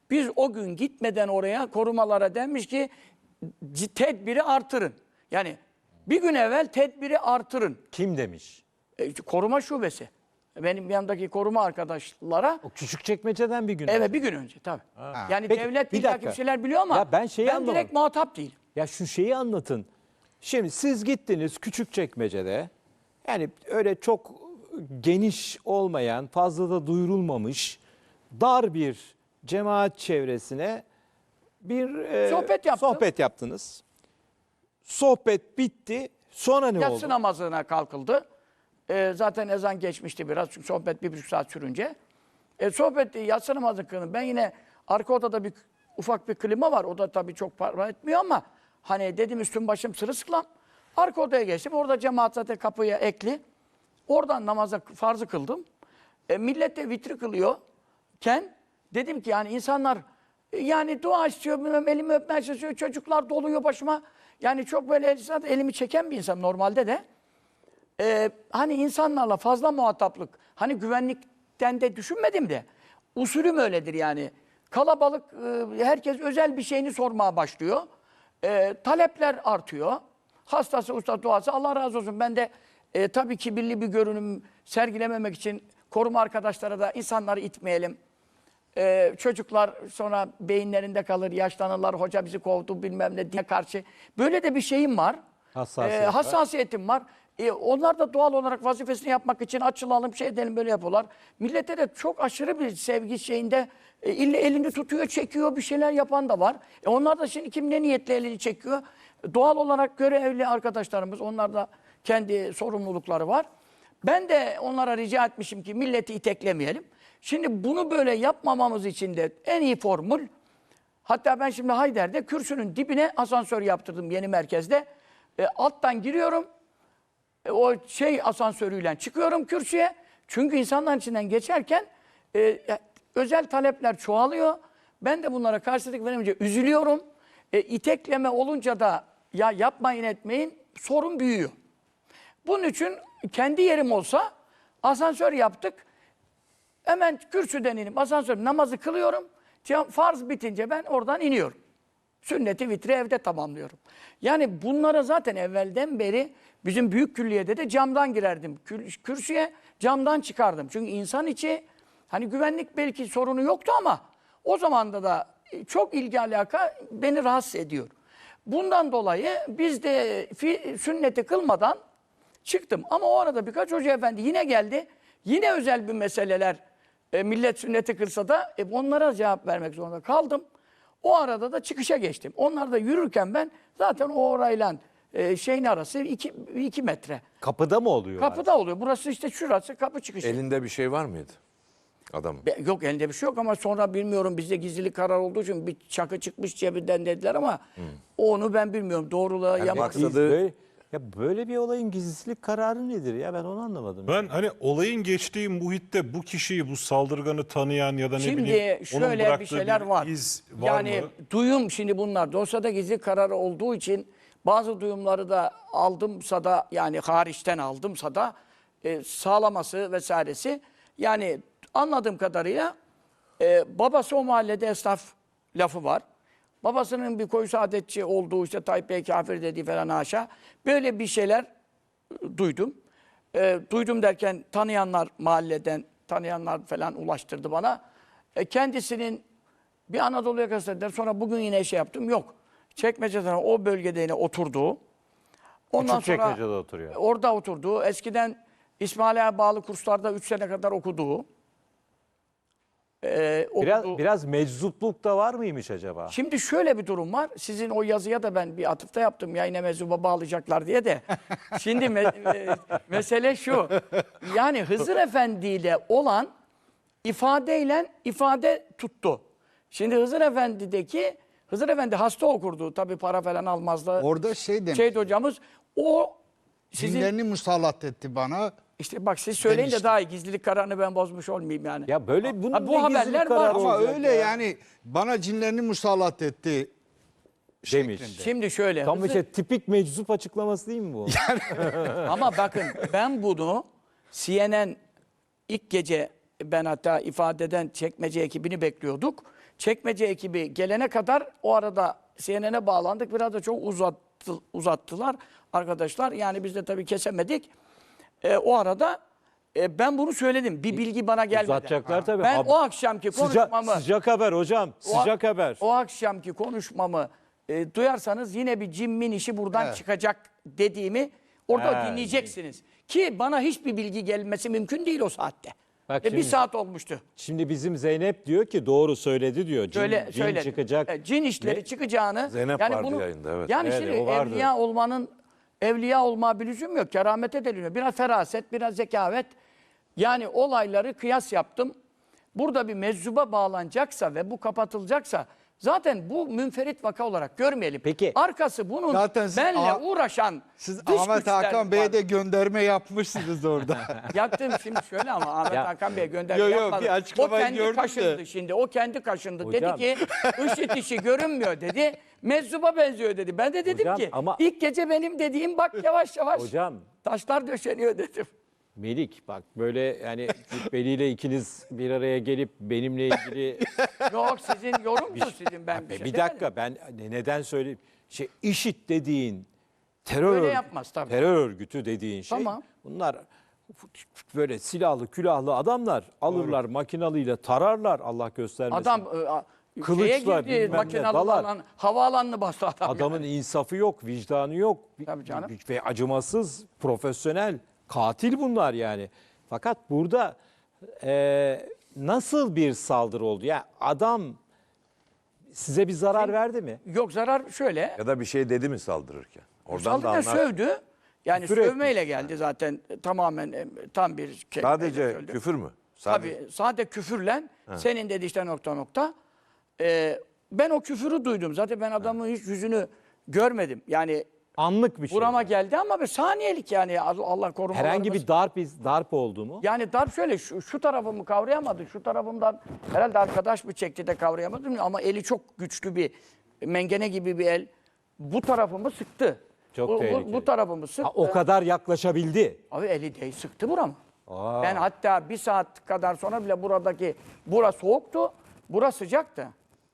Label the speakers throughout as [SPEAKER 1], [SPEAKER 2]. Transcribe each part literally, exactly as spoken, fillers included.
[SPEAKER 1] Biz o gün gitmeden oraya korumalara denmiş ki tedbiri artırın. Yani bir gün evvel tedbiri artırın.
[SPEAKER 2] Kim demiş?
[SPEAKER 1] E, koruma şubesi. Benim yanımdaki koruma arkadaşlara.
[SPEAKER 2] O Küçükçekmece'den bir gün
[SPEAKER 1] Evet
[SPEAKER 2] önce.
[SPEAKER 1] bir gün önce tabii.
[SPEAKER 2] Ha.
[SPEAKER 1] Yani
[SPEAKER 2] Peki,
[SPEAKER 1] devlet
[SPEAKER 2] bir
[SPEAKER 1] illaki
[SPEAKER 2] dakika.
[SPEAKER 1] bir şeyler biliyor ama
[SPEAKER 2] Ya ben şeyi
[SPEAKER 1] ben
[SPEAKER 2] anlamadım.
[SPEAKER 1] direkt muhatap değilim.
[SPEAKER 2] Ya şu şeyi anlatın. Şimdi siz gittiniz Küçükçekmece'de. Yani öyle çok geniş olmayan, fazla da duyurulmamış dar bir cemaat çevresine bir e,
[SPEAKER 1] Sohbet yaptım.
[SPEAKER 2] sohbet yaptınız. Sohbet bitti. Sonra ne
[SPEAKER 1] Yatsı
[SPEAKER 2] oldu?
[SPEAKER 1] namazına kalkıldı. E, zaten ezan geçmişti biraz çünkü sohbet bir buçuk saat sürünce. E, sohbet yatsı namazı kılın. Ben yine arka odada bir ufak bir klima var. O da tabii çok para etmiyor ama hani dedim üstüm başım sırılsıklam. Arka odaya geçtim. Orada cemaat zaten kapıya ekli. Oradan namaza farzı kıldım. E, millet de vitri kılıyorken dedim ki yani insanlar e, yani dua istiyor, bilmem, elimi öpmeye çalışıyor, çocuklar doluyor başıma. Yani çok böyle zaten elimi çeken bir insan normalde de. E, hani insanlarla fazla muhataplık, hani güvenlikten de düşünmedim de usulüm öyledir yani. Kalabalık, e, herkes özel bir şeyini sormaya başlıyor. E, talepler artıyor. Hastası, usta, duası Allah razı olsun. Ben de e, tabii kibirli bir görünüm sergilememek için koruma arkadaşlara da insanları itmeyelim. E, çocuklar sonra beyinlerinde kalır, yaşlanırlar, hoca bizi kovdu bilmem ne diye karşı. Böyle de bir şeyim var.
[SPEAKER 2] Hassasiyet
[SPEAKER 1] E,
[SPEAKER 2] var.
[SPEAKER 1] hassasiyetim var. E, onlar da doğal olarak vazifesini yapmak için açılalım, şey edelim böyle yapıyorlar. Millete de çok aşırı bir sevgi şeyinde e, ille elini tutuyor, çekiyor, bir şeyler yapan da var. E, onlar da şimdi kim ne niyetle elini çekiyor? Doğal olarak görevli arkadaşlarımız, onlar da kendi sorumlulukları var. Ben de onlara rica etmişim ki milleti iteklemeyelim. Şimdi bunu böyle yapmamamız için de en iyi formül, hatta ben şimdi Hayder'de kürsünün dibine asansör yaptırdım yeni merkezde. E, alttan giriyorum, e, o şey asansörüyle çıkıyorum kürsüye. Çünkü insanların içinden geçerken e, özel talepler çoğalıyor. Ben de bunlara karşılık verince üzülüyorum. E, itekleme olunca da ya yapmayın etmeyin sorun büyüyor. Bunun için kendi yerim olsa asansör yaptık. Hemen kürsüden inip asansör namazı kılıyorum. Farz bitince ben oradan iniyorum. Sünneti vitri evde tamamlıyorum. Yani bunlara zaten evvelden beri bizim büyük külliyede de camdan girerdim. Kürsüye camdan çıkardım. Çünkü insan içi hani güvenlik belki sorunu yoktu ama o zamanda da çok ilgi alaka beni rahatsız ediyor. Bundan dolayı biz de sünneti kılmadan çıktım. Ama o arada birkaç hoca efendi yine geldi. Yine özel bir meseleler e, millet sünneti kılsa da e, onlara cevap vermek zorunda kaldım. O arada da çıkışa geçtim. Onlar da yürürken ben zaten o orayla e, şeyin arası iki, iki metre.
[SPEAKER 2] Kapıda mı oluyor?
[SPEAKER 1] Kapıda
[SPEAKER 2] abi?
[SPEAKER 1] oluyor. Burası işte şurası kapı çıkışı.
[SPEAKER 3] Elinde bir şey var mıydı adamın?
[SPEAKER 1] Be, yok elinde bir şey yok ama sonra bilmiyorum bizde gizlilik karar olduğu için bir çakı çıkmış cebinden dediler ama hmm. onu ben bilmiyorum. Doğruluğa
[SPEAKER 3] Yani
[SPEAKER 1] yapmak.
[SPEAKER 3] maksadı-
[SPEAKER 2] Böyle, ya böyle bir olayın gizlilik kararı nedir ya, ben onu anlamadım.
[SPEAKER 4] Ben hani olayın geçtiği muhitte bu kişiyi, bu saldırganı tanıyan ya da ne
[SPEAKER 1] Şimdi
[SPEAKER 4] bileyim onun
[SPEAKER 1] şöyle bir
[SPEAKER 4] bıraktığı
[SPEAKER 1] şeyler var.
[SPEAKER 4] iz var
[SPEAKER 1] Yani
[SPEAKER 4] mı?
[SPEAKER 1] duyum şimdi bunlar dosyada gizli kararı olduğu için bazı duyumları da aldımsa da yani hariçten aldımsa da e, sağlaması vesairesi. Yani anladığım kadarıyla e, babası o mahallede esnaf lafı var. Babasının bir koyu saadetçi olduğu işte Tayyip Bey kafir dediği falan haşa. Böyle bir şeyler e, duydum. E, duydum derken tanıyanlar mahalleden tanıyanlar falan ulaştırdı bana. E, kendisinin bir Anadolu yakası dediler. Sonra bugün yine şey yaptım. Yok. Çekmece'den o bölgede yine oturduğu. Ondan sonra
[SPEAKER 2] Küçükçekmece'de oturuyor.
[SPEAKER 1] orada oturduğu. Eskiden İsmaila'ya bağlı kurslarda üç sene kadar okuduğu. E,
[SPEAKER 2] Biraz,
[SPEAKER 1] okuduğu.
[SPEAKER 2] biraz meczupluk da var mıymış acaba?
[SPEAKER 1] Şimdi şöyle bir durum var. Sizin o yazıya da ben bir atıfta yaptım. Yayına meczuba bağlayacaklar diye de. Şimdi me e, mesele şu. Yani Hızır Efendi ile olan ifadeyle ifade tuttu. Şimdi Hızır Efendi'deki Hızır Efendi hasta okurdu. Tabii para falan almazdı.
[SPEAKER 5] Orada şey demiş.
[SPEAKER 1] Şeydi hocamız. O sizin
[SPEAKER 5] Cinlerini musallat etti bana.
[SPEAKER 1] işte bak siz söyleyin de
[SPEAKER 5] demişti.
[SPEAKER 1] daha iyi. Gizlilik kararını ben bozmuş olmayayım yani.
[SPEAKER 2] Ya böyle bunun
[SPEAKER 1] Ha, bu
[SPEAKER 2] ne
[SPEAKER 1] haberler
[SPEAKER 2] gizlilik
[SPEAKER 1] var
[SPEAKER 2] kararı
[SPEAKER 1] ama
[SPEAKER 5] Ama
[SPEAKER 2] olacak
[SPEAKER 5] öyle
[SPEAKER 2] ya?
[SPEAKER 5] yani bana cinlerini musallat etti.
[SPEAKER 2] Demiş.
[SPEAKER 5] şeklinde.
[SPEAKER 1] Şimdi şöyle.
[SPEAKER 2] Tam
[SPEAKER 1] Hızır-
[SPEAKER 2] işte tipik meczup açıklaması değil mi bu?
[SPEAKER 1] Ama bakın ben bunu C N N ilk gece ben hatta ifadeden çekmece ekibini bekliyorduk. çekmece ekibi gelene kadar o arada C N N'e bağlandık. Biraz da çok uzattı, uzattılar arkadaşlar. Yani biz de tabii kesemedik. E, o arada e, ben bunu söyledim. Bir bilgi bana gelmedi.
[SPEAKER 2] Uzatacaklar tabii.
[SPEAKER 1] Ben
[SPEAKER 2] Hab-
[SPEAKER 1] o akşamki
[SPEAKER 2] Sıcak,
[SPEAKER 1] konuşmamı
[SPEAKER 2] sıcak haber hocam.
[SPEAKER 1] o-
[SPEAKER 2] Sıcak haber.
[SPEAKER 1] O akşamki konuşmamı e, duyarsanız yine bir cimmin işi buradan
[SPEAKER 5] Evet.
[SPEAKER 1] çıkacak dediğimi orada
[SPEAKER 2] He.
[SPEAKER 1] dinleyeceksiniz. Ki bana hiçbir bilgi gelmesi mümkün değil o saatte.
[SPEAKER 2] Bak
[SPEAKER 1] E, bir
[SPEAKER 2] şimdi-
[SPEAKER 1] saat olmuştu.
[SPEAKER 2] Şimdi bizim Zeynep diyor ki doğru söyledi diyor. Cin,
[SPEAKER 1] Söyle,
[SPEAKER 2] cin
[SPEAKER 1] söyledi.
[SPEAKER 2] çıkacak.
[SPEAKER 1] E, cin işleri
[SPEAKER 2] Ne?
[SPEAKER 1] çıkacağını.
[SPEAKER 3] Zeynep vardı yayında, evet.
[SPEAKER 1] Yani
[SPEAKER 2] Evet,
[SPEAKER 1] şimdi
[SPEAKER 2] o vardı.
[SPEAKER 1] evliya olmanın evliya olma bir lüzum yok. Keramete deliniyor. Biraz feraset, biraz zekavet. Yani olayları kıyas yaptım. Burada bir meczuba bağlanacaksa ve bu kapatılacaksa zaten bu münferit vaka olarak görmeyelim.
[SPEAKER 2] Peki.
[SPEAKER 1] Arkası bunun
[SPEAKER 5] Zaten siz
[SPEAKER 1] benle
[SPEAKER 5] A-
[SPEAKER 1] uğraşan
[SPEAKER 5] Siz
[SPEAKER 1] dış
[SPEAKER 5] Ahmet
[SPEAKER 1] güçler
[SPEAKER 5] Hakan Bey'e
[SPEAKER 1] var.
[SPEAKER 5] de gönderme yapmışsınız orada.
[SPEAKER 1] Yaptım şimdi şöyle ama Ahmet
[SPEAKER 2] Ya.
[SPEAKER 1] Hakan Bey'e gönderme
[SPEAKER 5] Yo, yo,
[SPEAKER 1] yapmadım.
[SPEAKER 5] bir
[SPEAKER 1] O
[SPEAKER 5] açıklamayı
[SPEAKER 1] kendi
[SPEAKER 5] gördüm de.
[SPEAKER 1] kaşındı şimdi. O kendi kaşındı.
[SPEAKER 2] Hocam.
[SPEAKER 1] Dedi ki IŞİD işi görünmüyor dedi. Meczuba benziyor dedi. Ben de dedim
[SPEAKER 2] Hocam,
[SPEAKER 1] ki
[SPEAKER 2] ama-
[SPEAKER 1] ilk gece benim dediğim bak yavaş yavaş
[SPEAKER 2] Hocam
[SPEAKER 1] taşlar döşeniyor dedim.
[SPEAKER 2] Melik bak böyle yani Cübbeli ile ikiniz bir araya gelip benimle ilgili
[SPEAKER 1] Yok sizin yorumdu sizin ben bir
[SPEAKER 2] bir,
[SPEAKER 1] şey
[SPEAKER 2] bir
[SPEAKER 1] demedim.
[SPEAKER 2] dakika ben ne- neden söyleyeyim? Şey IŞİD dediğin terör
[SPEAKER 1] Öyle
[SPEAKER 2] örgü-
[SPEAKER 1] yapmaz tabii.
[SPEAKER 2] terör örgütü dediğin şey.
[SPEAKER 1] Tamam.
[SPEAKER 2] Bunlar böyle silahlı, külahlı adamlar alırlar makinalıyla tararlar Allah göstermesin.
[SPEAKER 1] Adam e, a-
[SPEAKER 2] Kılıçla,
[SPEAKER 1] şeye girdi
[SPEAKER 2] bilmem ne,
[SPEAKER 1] makinalı
[SPEAKER 2] dalar.
[SPEAKER 1] olan havaalanını bastı adam.
[SPEAKER 2] Adamın
[SPEAKER 1] yani.
[SPEAKER 2] insafı yok, vicdanı yok.
[SPEAKER 1] Tabii canım.
[SPEAKER 2] Ve acımasız, profesyonel, katil bunlar yani. Fakat burada e, nasıl bir saldırı oldu? Ya adam size bir zarar verdi mi?
[SPEAKER 1] Yok zarar şöyle.
[SPEAKER 3] Ya da bir şey dedi mi saldırırken? Oradan da
[SPEAKER 1] Saldırıya
[SPEAKER 3] anlar.
[SPEAKER 1] sövdü. Yani
[SPEAKER 2] Küfür
[SPEAKER 1] sövmeyle geldi zaten e, tamamen e, tam bir şey.
[SPEAKER 3] Sadece küfür mü? Sadece.
[SPEAKER 1] Tabii sade küfürle senin dedi işte nokta nokta. Ee, ben o küfürü duydum. Zaten ben adamın hiç yüzünü görmedim. Yani
[SPEAKER 2] Anlık bir şey.
[SPEAKER 1] burama geldi ama bir saniyelik yani Allah korumalarımız.
[SPEAKER 2] Herhangi bir darp iz, darp oldu mu?
[SPEAKER 1] Yani darp şöyle şu, şu tarafımı kavrayamadı. Şu tarafımdan herhalde arkadaş mı çekti de kavrayamadım ama eli çok güçlü bir mengene gibi bir el. Bu tarafımı sıktı.
[SPEAKER 2] Çok
[SPEAKER 1] bu, bu,
[SPEAKER 2] tehlikeli.
[SPEAKER 1] bu tarafımı sıktı.
[SPEAKER 2] Ha, o kadar yaklaşabildi.
[SPEAKER 1] Abi eli değil sıktı buramı.
[SPEAKER 2] Aa.
[SPEAKER 1] Ben hatta bir saat kadar sonra bile buradaki bura soğuktu, bura sıcaktı.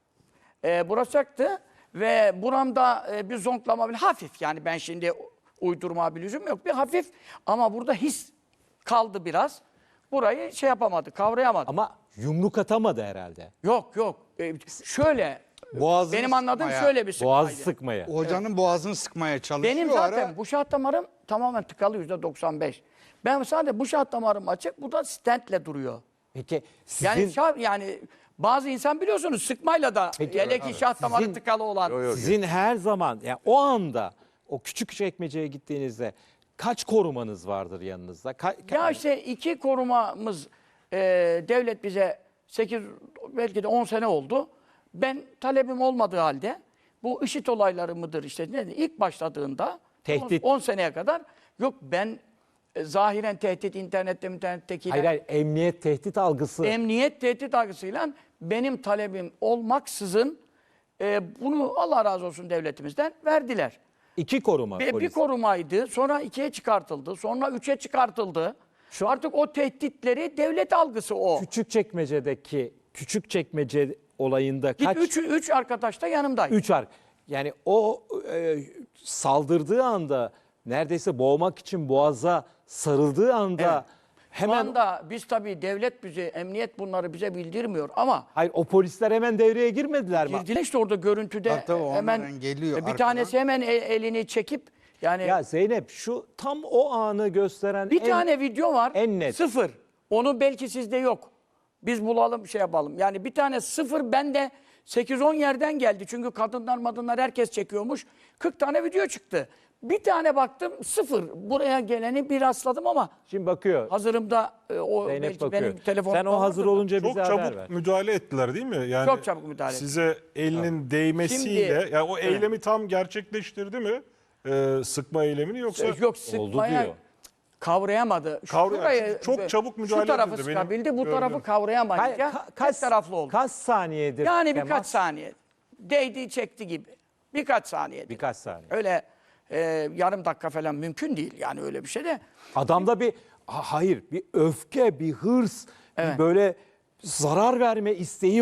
[SPEAKER 1] Ee, bura sıcaktı ve buramda e, bir zonklama bile hafif yani ben şimdi uydurma bir lüzum yok bir hafif ama burada his kaldı biraz. Burayı şey yapamadı, kavrayamadı.
[SPEAKER 2] Ama yumruk atamadı herhalde.
[SPEAKER 1] Yok yok. Ee, şöyle
[SPEAKER 5] Boğazını
[SPEAKER 1] benim anladığım
[SPEAKER 5] sıkmaya.
[SPEAKER 1] şöyle bir sıkmaydı.
[SPEAKER 2] Boğaz sıkmaya.
[SPEAKER 5] Hocanın boğazını sıkmaya çalışıyor.
[SPEAKER 1] Benim
[SPEAKER 5] o
[SPEAKER 1] zaten
[SPEAKER 5] ara.
[SPEAKER 1] bu şah damarım tamamen tıkalı yüzde doksan beş. Ben sadece bu şah damarım açık, bu da stentle duruyor.
[SPEAKER 2] Peki sizin
[SPEAKER 1] Yani şah, yani bazı insan biliyorsunuz sıkmayla da
[SPEAKER 2] Peki,
[SPEAKER 1] hele ki şah damarı
[SPEAKER 2] Sizin-
[SPEAKER 1] tıkalı olan.
[SPEAKER 3] Yo, yo,
[SPEAKER 2] sizin her zaman yani o anda o küçük çekmeceye gittiğinizde kaç korumanız vardır yanınızda? Ka- ka-
[SPEAKER 1] Ya işte iki korumamız e, devlet bize sekiz belki de on sene oldu. Ben talebim olmadığı halde bu IŞİD olayları mıdır işte ne ilk başladığında
[SPEAKER 2] Tehdit.
[SPEAKER 1] on seneye kadar yok ben e, zahiren tehdit internette internettekiler
[SPEAKER 2] hayır hayır emniyet tehdit algısı.
[SPEAKER 1] emniyet tehdit algısıyla benim talebim olmaksızın e, bunu Allah razı olsun devletimizden verdiler.
[SPEAKER 2] İki koruma
[SPEAKER 1] Ve bir
[SPEAKER 2] polis.
[SPEAKER 1] korumaydı. Sonra ikiye çıkartıldı. Sonra üçe çıkartıldı.
[SPEAKER 2] Şu-
[SPEAKER 1] Artık o tehditleri devlet algısı o.
[SPEAKER 2] Küçük çekmecedeki küçük çekmece olayında
[SPEAKER 1] Git
[SPEAKER 2] kaç?
[SPEAKER 1] üç, üç arkadaş da yanımdaydı.
[SPEAKER 2] Üç ar. Yani o e, saldırdığı anda neredeyse boğmak için boğaza sarıldığı anda
[SPEAKER 1] Evet. Şu
[SPEAKER 2] hemen
[SPEAKER 1] anda biz tabii devlet bize, emniyet bunları bize bildirmiyor ama
[SPEAKER 2] hayır o polisler hemen devreye girmediler mi?
[SPEAKER 1] girdiler işte orada görüntüde
[SPEAKER 5] Tabii, tabii,
[SPEAKER 1] hemen
[SPEAKER 5] onların geliyor
[SPEAKER 1] bir
[SPEAKER 5] arkadan.
[SPEAKER 1] tanesi hemen el- elini çekip yani
[SPEAKER 2] Ya Zeynep şu tam o anı gösteren
[SPEAKER 1] bir
[SPEAKER 2] en-
[SPEAKER 1] tane video var.
[SPEAKER 2] en net.
[SPEAKER 1] Sıfır. Onu belki sizde yok. Biz bulalım şey yapalım. Yani bir tane sıfır bende sekiz on yerden geldi. Çünkü kadınlar madınlar herkes çekiyormuş. kırk tane video çıktı. Bir tane baktım sıfır. Buraya geleni bir rastladım ama
[SPEAKER 2] Şimdi bakıyor.
[SPEAKER 1] hazırımda e, o
[SPEAKER 2] Zeynep
[SPEAKER 1] belki
[SPEAKER 2] bakıyor.
[SPEAKER 1] benim telefonumda
[SPEAKER 2] Sen o hazır
[SPEAKER 1] vardır da.
[SPEAKER 2] olunca
[SPEAKER 4] Çok
[SPEAKER 2] bize haber
[SPEAKER 4] çabuk
[SPEAKER 2] ver.
[SPEAKER 4] müdahale ettiler değil mi? Yani
[SPEAKER 1] Çok çabuk müdahale ettiler.
[SPEAKER 4] Size elinin değmesiyle,
[SPEAKER 1] Şimdi-
[SPEAKER 4] yani o eylemi tam gerçekleştirdi mi? Ee, sıkma eylemini yoksa
[SPEAKER 1] Yok sıkmaya
[SPEAKER 2] diyor.
[SPEAKER 1] kavrayamadı.
[SPEAKER 4] Kavray-
[SPEAKER 1] Şurayı-
[SPEAKER 4] çok çabuk müdahale
[SPEAKER 1] Şu tarafı
[SPEAKER 4] edildi benim
[SPEAKER 1] sıkabildi, bu
[SPEAKER 4] gördüğüm.
[SPEAKER 1] tarafı kavrayamayınca
[SPEAKER 2] Ka-
[SPEAKER 1] tek taraflı oldu.
[SPEAKER 2] Kaç saniyedir?
[SPEAKER 1] Yani birkaç
[SPEAKER 2] temas?
[SPEAKER 1] saniye. Değdi çekti gibi. Birkaç saniye.
[SPEAKER 2] Birkaç saniye.
[SPEAKER 1] Öyle e, yarım dakika falan mümkün değil yani öyle bir şey de.
[SPEAKER 2] Adamda bir ha- hayır bir öfke, bir hırs,
[SPEAKER 1] Evet.
[SPEAKER 2] bir böyle zarar verme isteği var.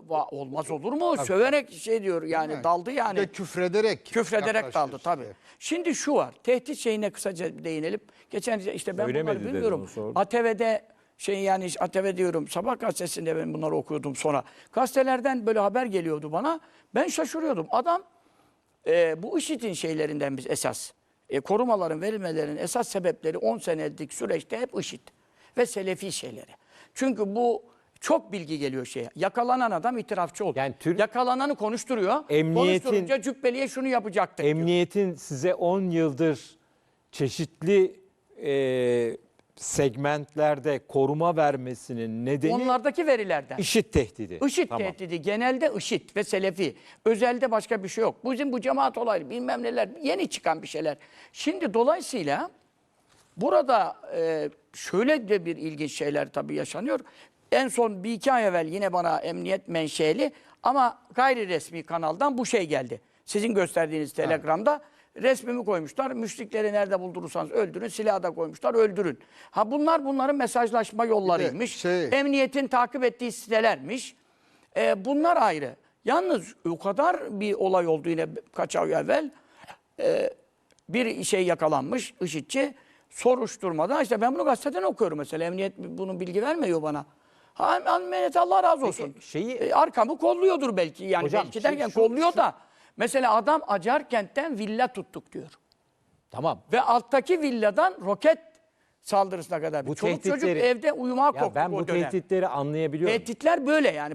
[SPEAKER 1] va- olmaz olur mu? Söverek şey diyor yani
[SPEAKER 5] mi?
[SPEAKER 1] daldı
[SPEAKER 5] Bir
[SPEAKER 1] yani.
[SPEAKER 5] de küfrederek.
[SPEAKER 1] Küfrederek
[SPEAKER 5] yaklaşıyor
[SPEAKER 1] daldı tabii.
[SPEAKER 5] size.
[SPEAKER 1] Şimdi şu var. Tehdit şeyine kısaca değinelim. Geçen işte ben
[SPEAKER 2] Söylemedi
[SPEAKER 1] bunları
[SPEAKER 2] dedi,
[SPEAKER 1] bilmiyorum.
[SPEAKER 2] onu sordum.
[SPEAKER 1] A T V'de şey yani A T V diyorum. Sabah gazetesinde ben bunları okuyordum sonra. Gazetelerden böyle haber geliyordu bana. Ben şaşırıyordum. Adam e, bu IŞİD'in şeylerinden biz esas. E, korumaların verilmelerinin esas sebepleri on senelik süreçte hep IŞİD ve Selefi şeyleri. Çünkü bu çok bilgi geliyor şeye. Yakalanan adam itirafçı oldu.
[SPEAKER 2] Yani Türk-
[SPEAKER 1] Yakalananı konuşturuyor.
[SPEAKER 2] Emniyetin-
[SPEAKER 1] Konuşturunca cübbeliye şunu yapacaktık diyor.
[SPEAKER 2] Emniyetin size on yıldır çeşitli e, segmentlerde koruma vermesinin nedeni
[SPEAKER 1] Onlardaki verilerden.
[SPEAKER 2] IŞİD tehdidi.
[SPEAKER 1] IŞİD
[SPEAKER 2] Tamam.
[SPEAKER 1] tehdidi genelde IŞİD ve Selefi. Özelde başka bir şey yok. Bizim bu cemaat olayı bilmem neler yeni çıkan bir şeyler. Şimdi dolayısıyla burada e, şöyle de bir ilginç şeyler tabii yaşanıyor. En son bir iki ay evvel yine bana emniyet menşeli ama gayri resmi kanaldan bu şey geldi. Sizin gösterdiğiniz Telegram'da resmimi koymuşlar. Müşrikleri nerede buldurursanız öldürün. Silahı da koymuşlar öldürün. Ha bunlar bunların mesajlaşma yollarıymış.
[SPEAKER 5] şey-
[SPEAKER 1] Emniyetin takip ettiği sitelermiş. E, bunlar ayrı. Yalnız o kadar bir olay oldu yine kaç ay evvel. E, bir şey yakalanmış IŞİD'ci. Soruşturmada işte ben bunu gazeteden okuyorum mesela. Emniyet bunun bilgi vermiyor bana. Ha, emniyet Allah razı olsun.
[SPEAKER 2] Peki, şeyi-
[SPEAKER 1] E, arkamı kolluyordur belki. Yani
[SPEAKER 2] Hocam,
[SPEAKER 1] belki derken
[SPEAKER 2] şu-
[SPEAKER 1] kolluyor
[SPEAKER 2] şu-
[SPEAKER 1] da. Mesela adam Acarkent'ten villa tuttuk diyor.
[SPEAKER 2] Tamam.
[SPEAKER 1] Ve alttaki villadan roket saldırısına kadar.
[SPEAKER 2] Bu
[SPEAKER 1] Çoluk çocuk
[SPEAKER 2] tehditleri-
[SPEAKER 1] evde uyumaya
[SPEAKER 2] Ya
[SPEAKER 1] korktuk
[SPEAKER 2] ben
[SPEAKER 1] o
[SPEAKER 2] bu
[SPEAKER 1] dönem.
[SPEAKER 2] tehditleri anlayabiliyorum.
[SPEAKER 1] Tehditler böyle yani.